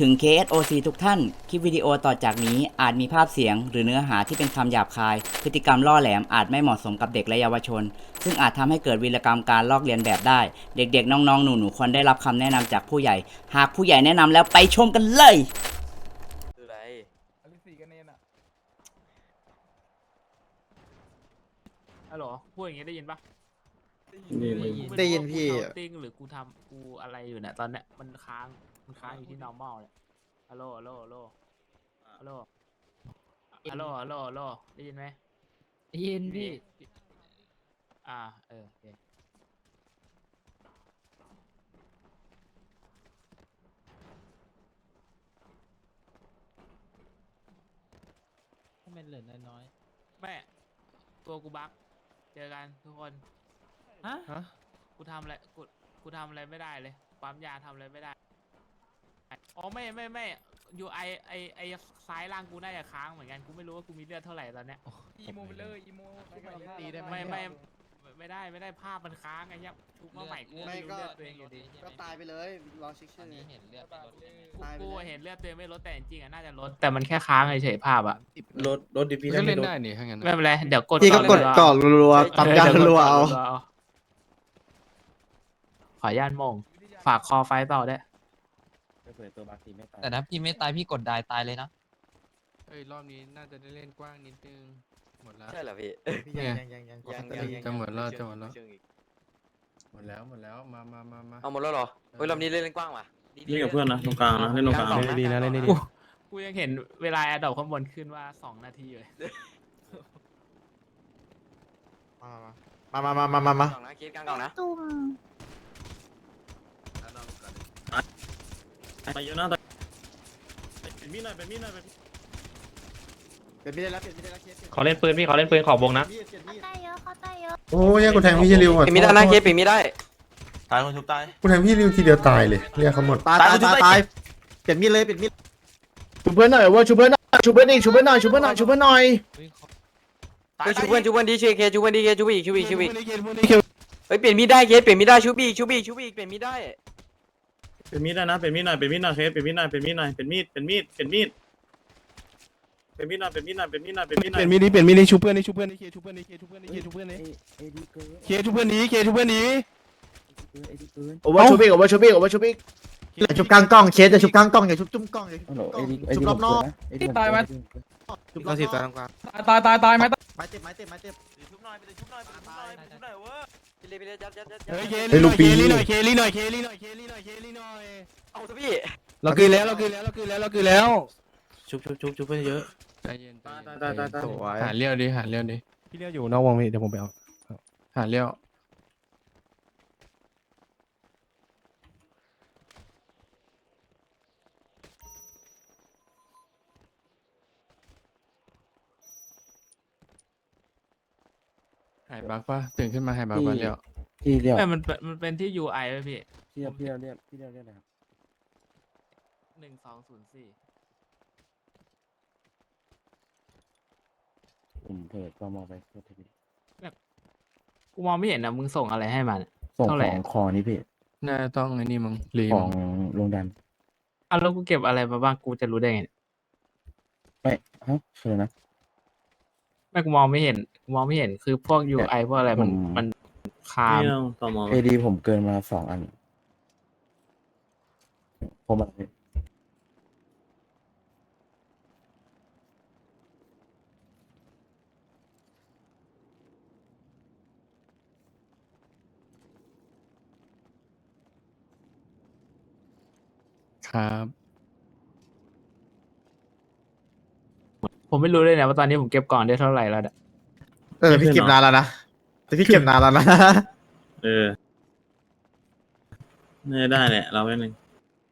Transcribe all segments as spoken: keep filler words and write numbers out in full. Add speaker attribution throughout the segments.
Speaker 1: ถึง เค เอส โอ ซี ทุกท่าน คลิปวิดีโอต่อจากนี้อาจมีภาพเสียงหรือเนื้อหาที่เป็นคำหยาบคาย พฤติกรรมล่อแหลมอาจไม่เหมาะสมกับเด็กและเยาวชน ซึ่งอาจทำให้เกิดวีรกรรมการลอกเลียนแบบได้ เด็กๆ น้องๆ หนูๆ ควรได้รับคำแนะนำจากผู้ใหญ่ หากผู้ใหญ่แนะนำแล้วไปชมกันเลย
Speaker 2: คืออะไร
Speaker 3: อลิสีกันเนนอ่ะ
Speaker 4: ฮัลโหลพูดอย่างงี้ได้ยินปะ
Speaker 5: ได้ยินพี่
Speaker 4: กูเทาติ้งหรือกูทำกูอะไรอยู่เนี่ยตอนเนี้ยมันค้างมันค้างอยู่ที่ normal เนี่ยฮัลโหลฮัลโหลฮัลโหลฮัลโหลฮัลโหลฮัลโหลฮัลโหลได้ยินไหม
Speaker 5: ได้ยินพี่
Speaker 4: อ่าเออโอเค
Speaker 5: ถ้ามันเหลือน้อย
Speaker 4: แม่ตัวกูบั๊กเจอกันทุกคน
Speaker 5: ๆฮะ
Speaker 4: กูทำอะไรกูกูทำอะไรไม่ได้เลยปั๊มยาทำอะไรไม่ได้อ๋อไม่ไม่ไม่ยูไอไอไอซ้ายล่างกูน่าจะค้างเหมือนกันกูไม่รู้ว่ากูมีเลือดเท่าไหร่ตอนเนี้ย
Speaker 3: อีโมไปเลยอีโมชุบใหม่เลย
Speaker 5: ตีได้ไหม
Speaker 4: ไม่ไม่ไม่ได้ไม่ได้ภาพมันค้างไงเนี่ยชุบมาใหม่กูไม่รู้เลือดตัวเองอยู่ดี
Speaker 6: ก็ตายไปเลยรอเช็ค
Speaker 5: ตอ
Speaker 6: ชื่
Speaker 5: น
Speaker 6: อ
Speaker 5: นี้เห็นเลือดไม่ลดเลย
Speaker 4: กู
Speaker 6: ตายไป
Speaker 4: กู
Speaker 6: เลย
Speaker 4: เห็นเลือดตัวเองไม่ลดแต่จริงๆอ่ะน่าจะลดแต่มันแค่ค้างเฉยๆภาพอ่ะ
Speaker 7: รถรถดิพี่
Speaker 8: ก็เล่นได้นี่ถ้างั้น
Speaker 4: ไม่เป็นไรเดี๋ยวกด
Speaker 6: พี่ก็กด
Speaker 4: อน
Speaker 6: ก่อนรัวๆปั๊มยารัวๆเอา
Speaker 4: ขออนุญาตมงฝากคอไฟต่อได้วย
Speaker 7: เปิดตัวบางทีไม่ตาย
Speaker 5: แต่ถ้าพี่ไม่ตายพี่กดได้ตายเลยนะ
Speaker 8: เอ้ยรอบนี้น่าจะได้เล่นกว้างนิดนึงหมดแล้ว
Speaker 2: ใช่เหรอพี่
Speaker 6: พี่ยังยังยังยัง
Speaker 2: ยัง
Speaker 6: ยัง
Speaker 2: ยัง
Speaker 8: จะหมดแล้วจะหมดแล้ว
Speaker 2: เชิงอีก
Speaker 8: หมดแล้วหมดแล้วมามามามา
Speaker 2: เอาหมดแล้วเหรอเฮ้ยรอบนี้เล่นเล่นกว้างว่ะดีๆ
Speaker 7: เล่นกับเพื่อนนะตรงกลางนะเล่นตรงกลาง
Speaker 2: สอ
Speaker 7: นะ
Speaker 8: ดีนะเล่นได้ดี
Speaker 4: กูกูยังเห็นเวลาแอดดอปข้างบนขึ้นว่าสองนาทีเลย
Speaker 6: มามามามามามา
Speaker 2: กล่องนะคิดกลางกล่องนะ
Speaker 7: ไปเยอะนะเป็นมีดหน่อยเป็นมีดหน่อยเป็น
Speaker 6: เปลี่ยนไม่ได้แล้วเปลี่ยนไม่ได้แล้วเคส
Speaker 9: ขอเล่นปืนพี่ขอเล่นปืนขอบวงนะ
Speaker 6: เปลี่ยนมีด
Speaker 10: ได้เยอะเขาได้เยอะ
Speaker 11: โอ้ยกูแทงพี่เชลิวอ่ะ
Speaker 2: ปิดไม่ได้นะเคสปิดไม่ได้
Speaker 7: ตายคนทุบตาย
Speaker 11: กูแทงพี่ริวทีเดียวตายเลยเรียกเขาหมด
Speaker 6: ตายตายตายตายเปลี่ยนมีดเลยเปลี่ยนมีด
Speaker 3: ชุบเพื่อนหน่อยว่าชุบเพื่อนหน่อยชุบเพื่อนอีกชุบเพื่อนหน่อยชุบเพื่อนหน่อยชุบเพื่อนหน่อย
Speaker 2: เฮ้ยชูเพื่อนชูเพื่อนดีเชเคชูเพื่อนดีเคชูบีกชูบีกชูบีก
Speaker 3: เกมพวกนี้เกม
Speaker 2: เฮ้ยเปลี่ยนมีดได้เคสเปลี่ยนมีดได้ชูบีกชูบีกชูบีกเปลี่ยนมีดได้
Speaker 7: เป็นมีดได้นะเป็นมีดหน่อยเป็นมีดหน่อยเคสเป็นมีดหน่อยเป็นมีดหน่อยเป็นมีดเป็นมีดเป็นมีดเป็นมีดหน่อยเป็นมีดหน่อยเป็นมีดหน่อยเป็นมีดห
Speaker 3: เป
Speaker 7: น่อย
Speaker 3: ลี่ยนมีดดิเปลี่ยนมีดดิชุบเพื่อนดิชุบเพื่อนดิเคชุบเพื่อนดิเคชุบเพื่อนดิเคชุบเพื่อนดิเคชุบเพื่อนดิเคชุบเพื่อนดิโอเวอร์ชุบอีกโอเวอร์ชุบอีกโอเวอร์ชุบอีก
Speaker 6: อย่าชุบกลางกล้องเคสอย่าชุบกลางกล้องอย่าชุบจุ้มกล้องอย่าชุบจุ้มกล้องชุบรอบนอก
Speaker 3: ตายไหม
Speaker 6: ชุบรอบนอก
Speaker 3: ตายตายตายไหม
Speaker 6: ไม้เต็มไม้เต็มไม้เต็ม
Speaker 2: ชุบหน่อยไปชุบหน่อยไปชุบหน่อยไปชุบหน่อยเว้ยไปเลยไปเลยยัดยัดยัด
Speaker 3: เฮ้ยเคลีหน่อยเคลีหน่อยเคลีหน่อยเคลีหน่อยเคลีหน่อยเคลีหน่อย
Speaker 2: เอาสิพี่
Speaker 3: เราคืนแล้วเราคืนแล้วเราคืนแล้วเราคืนแล้ว
Speaker 7: ชุบชุบชุบชุบเพื่อนเยอะ
Speaker 8: ใจเย็น
Speaker 7: ตายตายตายตาย
Speaker 8: หาเลี้ยวดิหาเลี้ยวดิ
Speaker 3: พี่เลี้ยวอยู่นอกวงพี่เดี๋ยวผมไปเอา
Speaker 8: หาเลี้ยวหายบักปะตื่นขึ้นมาหายบักปะเลี้ยว
Speaker 7: พี่เรียก
Speaker 4: ไม่มันเป็นมันเป็นที่ ยู ไอ ไว้พี่
Speaker 7: พี่เรียกพี่เรียกพี่เรียกเรียกอะไรครับ
Speaker 4: หนึ่งสองศูนย์สี่
Speaker 7: ผมเปิดก็มองไปโทษที
Speaker 4: กูมองไม่เห็นนะมึงส่งอะไรให้มัน
Speaker 7: ส่ง
Speaker 4: เท่าไหร่
Speaker 7: ของคอนี่พี่
Speaker 8: น่าต้องไอ้นี่มั้งรี
Speaker 7: ขอ
Speaker 8: มั้
Speaker 7: ง
Speaker 8: ง
Speaker 7: โรงดัน
Speaker 4: อ่ะแล้วกูเก็บอะไรมาบ้างกูจะรู้ได้ไงเนี่ย
Speaker 7: ไม่ฮะเชิญนะ
Speaker 4: ไม่กูมองไม่เห็นกูมองไม่เห็นคือพวก ยู ไอ พวกอะไรมัน
Speaker 7: ผม
Speaker 4: มันคาม
Speaker 7: ไม่ต้องต่อมอเอดีผมเกินมาสองอันผมแบบนี้
Speaker 8: ครับ
Speaker 4: ผมไม่รู้เลยนะว่าตอนนี้ผมเก็บกล่องได้เท่าไหร่แล้วเนี่ย
Speaker 6: เออพี่เก็บนานแล้วนะแต่พี่เก็บนานแล้วนะ
Speaker 7: เออไม่ได้แหละเราแค่นึง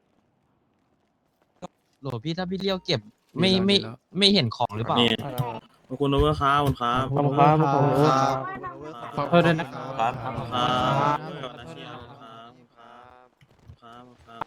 Speaker 5: โหลพี่ถ้าพี่เลี้ยวเก็บไม่ไม่ไม่เห็นของหรือเปล่า
Speaker 7: นี่ขอบคุณโอเวอร์ค้าขอบคุณครับ
Speaker 3: ขอบคุณครับขอบคุณครับ
Speaker 8: ขอโทษด้วยนะ
Speaker 7: ครับครับครับนาเชียครับครับครับ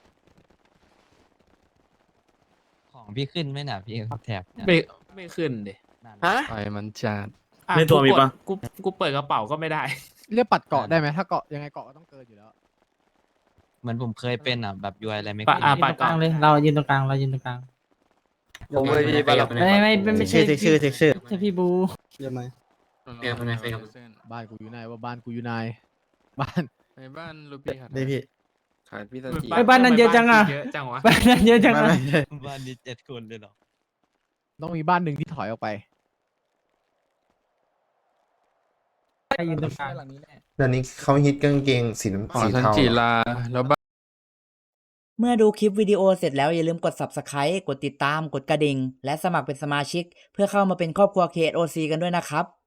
Speaker 5: ของพี่ขึ้นไหมน่ะพี่แถบเนี่ย
Speaker 4: ไม่ไม่ขึ้นดิ
Speaker 5: นั่น
Speaker 2: ฮะ
Speaker 8: ไฟมันจัด
Speaker 4: อ่ะ
Speaker 7: ในตัวมีปะ
Speaker 4: กูกดกูกูเปิดกระเป๋าก็ไม่ได้
Speaker 3: เรียกปัดเกาะได้ไหมถ้าเกาะยังไงเกาะก็ต้องเกินอยู่แล้ว
Speaker 5: เหมือนผมเคยเป็นอ่ะแบบยูไออะไรไม่
Speaker 4: ปะ
Speaker 5: ขึ้น
Speaker 4: อ่ะ
Speaker 5: อะ
Speaker 4: ปะกลางเลยเรายืนตรงกลางเรายืนตรงกลาง
Speaker 2: ผมเลยพี่ไปแล้ว
Speaker 4: ไม่ไม่ไม่ไม่
Speaker 6: ชื่
Speaker 4: ใช่
Speaker 6: อชื่อชื่อชื่อ
Speaker 4: ใช่พี่บู
Speaker 8: เรียกมาเส้น
Speaker 3: บ้านกูอยู่ไหนว่าบ้านกูอยู่ไหนบ้าน
Speaker 8: ในบ้านลูปี้ครับ
Speaker 6: ได้พี่
Speaker 2: ขายพี่ตันจี
Speaker 4: ไอ้บ้านนั้นเยอะจังอ่ะเยอะจังวะ
Speaker 3: บ้านนั้นเยอะจัง
Speaker 6: ไม่
Speaker 3: นะ
Speaker 6: ไม่
Speaker 5: บ้านนี้เจ็ดคนเลยเหรอ
Speaker 3: ต้องมีบ้านหนึ่งที่ถอยออกไป
Speaker 4: ยืนตรงกลาง
Speaker 11: เดี๋ยวนี้เขาฮิตกางเกงสีน้ำ
Speaker 8: อ๋อ
Speaker 11: สี
Speaker 8: ทัน
Speaker 11: เทา
Speaker 8: จีลาแล้วบ้าน
Speaker 1: เมื่อดูคลิปวิดีโอเสร็จแล้วอย่าลืมกด Subscribe กดติดตาม กดกระดิ่ง และสมัครเป็นสมาชิก เพื่อเข้ามาเป็นครอบครัว เค เอส โอ ซี กันด้วยนะครับ